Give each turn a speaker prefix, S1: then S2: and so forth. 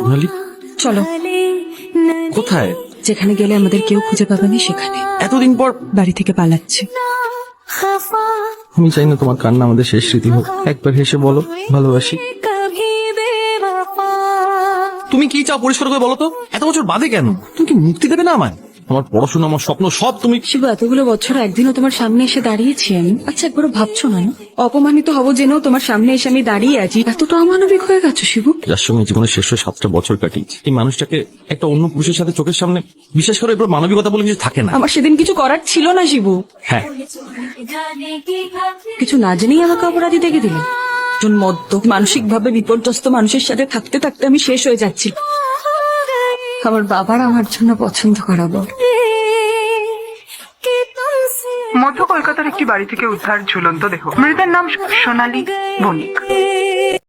S1: সোনালি,
S2: চলো।
S1: কোথায়?
S2: যেখানে গেলে আমাদের কেউ খুঁজে পাবে না সেখানে।
S1: এতদিন পর
S2: বাড়ি থেকে পালাচ্ছি।
S1: আমি চাই না তোমার কান্না আমাদের শেষ স্মৃতি হোক। একবার হেসে বলো ভালোবাসি। তুমি কি চাও পরিষ্কার করে বলো তো? এত বছর বাদে কেন? তুমি কি মুক্তি দেবে না আমায়? আমার পড়াশোনা, আমার স্বপ্ন সব তুমি।
S2: শিবু, এতগুলো বছর একদিনও তোমার সামনে এসে দাঁড়িয়েছি আমি। আচ্ছা, একবারও ভাবছো না অপমানিত হব জেনেও তোমার সামনে এসে আমি দাঁড়িয়ে আছি? এতটা অমানবিক হয়ে গেছো শিবু।
S1: যার সঙ্গে জীবনের শেষ 7টা বছর কাটিয়েছি, এই মানুষটাকে একটা অন্য পুরুষের সাথে চোখের সামনে, বিশেষ করে এবার মানবিকতা বলে কিছু থাকে না।
S2: আমার সেদিন কিছু করার ছিল না শিবু।
S1: হ্যাঁ,
S2: কিছু না জেনেই আমাকে অপরাধী দেখে দিলে। একজন মদ্য, মানসিক ভাবে বিপর্যস্ত মানুষের সাথে থাকতে থাকতে আমি শেষ হয়ে যাচ্ছি। আমার বাবার আমার জন্য পছন্দ করাবো।
S3: মধ্য কলকাতার একটি বাড়ি থেকে উদ্ধার ঝুলন্ত দেহ। মৃতের নাম সোনালী বণিক।